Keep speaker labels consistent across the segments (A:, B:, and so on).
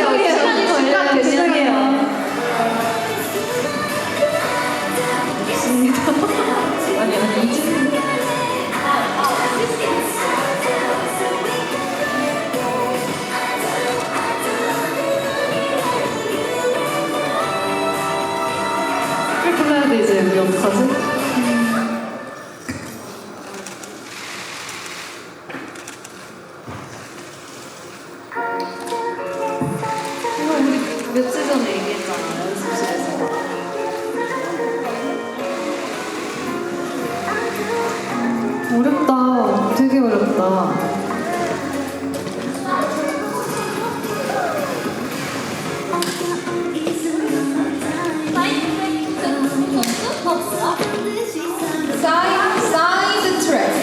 A: 시간이
B: 죄송해요. 아니, 이제.
A: 불러야 돼, 이제. 우리 어떡하지? 이거 우리 며칠 전에 얘기했잖아, 연습실에서. 어렵다. 되게 어렵다. 사이드 트랙.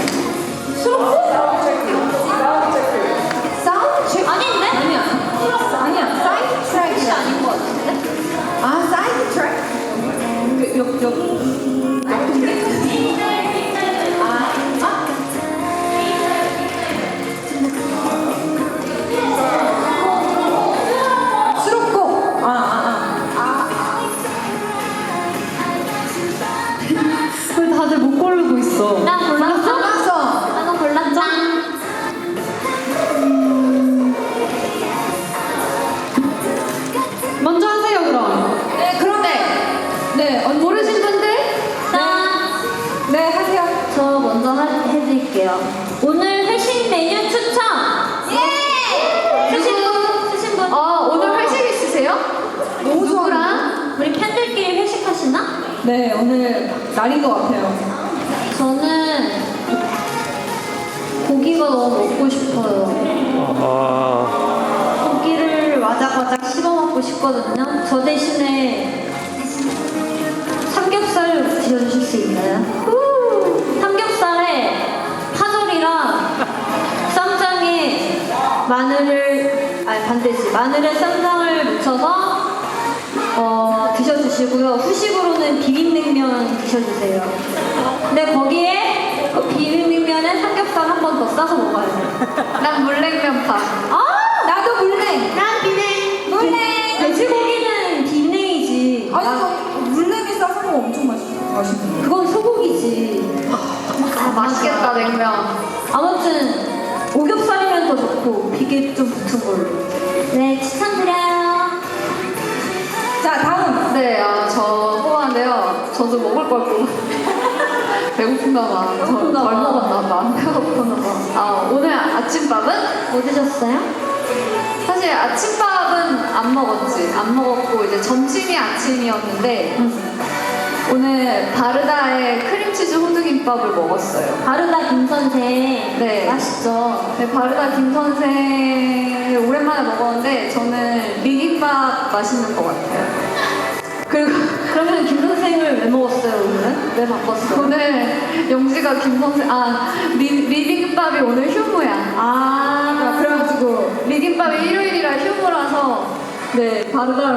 A: 사운드 트랙.
B: 아닌데?
A: 아니야. 사이드 트랙이
B: 아닌 것 같은데?
A: 아, 사이드 트랙. 수록곡. 왜 다들 못 고르고 있어?
B: 나 골랐어?
A: 골랐어.
B: 나도 골랐죠?
A: 먼저 하세요, 그럼.
B: 네, 그런데
A: 네, 모르신 분들? 네, 하세요.
B: 저 먼저 해드릴게요. 오늘 회식 메뉴 추천! 예! 쓰신 분?
A: 오늘 회식 있으세요?
B: 너무
A: 누구랑?
B: 우리 팬들끼리 회식하시나?
A: 네, 오늘 날인 것 같아요.
B: 저는 고기가 너무 먹고 싶어요. 고기를 와작와작 씹어 먹고 싶거든요. 저 대신에 삼겹살을 드셔주실 수 있나요? 삼겹살에 파절이랑 쌈장에 마늘에 쌈장을 묻혀서 드셔주시고요. 후식으로는 비빔냉면 드셔주세요. 근데 거기에 그 비빔냉면에 삼겹살 한 번 더 싸서 먹어야 돼요.
A: 난 물냉면파. 나도 물냉.
B: 난 비냉.
A: 물냉.
B: 돼지고기는 비냉이지.
A: 물냉이 싸서 먹으면 엄청 맛있는데.
B: 그건 소고기지.
A: 맛있겠다, 냉면.
B: 아무튼 오겹살이면 더 좋고 비계 좀 붙은 걸로. 네, 추천드려요.
A: 자, 다음. 네, 저 뽑았는데요. 저도 먹을 걸 뽑았는데. 배고픈가 봐. 덜 먹었나 봐. 배고프나 봐. 오늘 아침밥은?
B: 뭐 드셨어요?
A: 사실 아침밥은 안 먹었지. 안 먹었고, 이제 점심이 아침이었는데, 오늘 바르다의 크림치즈 호두김밥을 먹었어요.
B: 바르다 김선생.
A: 네.
B: 맛있죠?
A: 네, 바르다 김선생 오랜만에 먹었는데, 저는 리김밥 맛있는 것 같아요. 그리고
B: 그러면 김선생을 왜 먹었어요, 오늘은? 왜 바꿨어?
A: 오늘 영지가 김선생, 리김밥이 오늘 휴무야.
B: 그래가지고
A: 리김밥이 일요일이라 휴무라서, 네, 바르다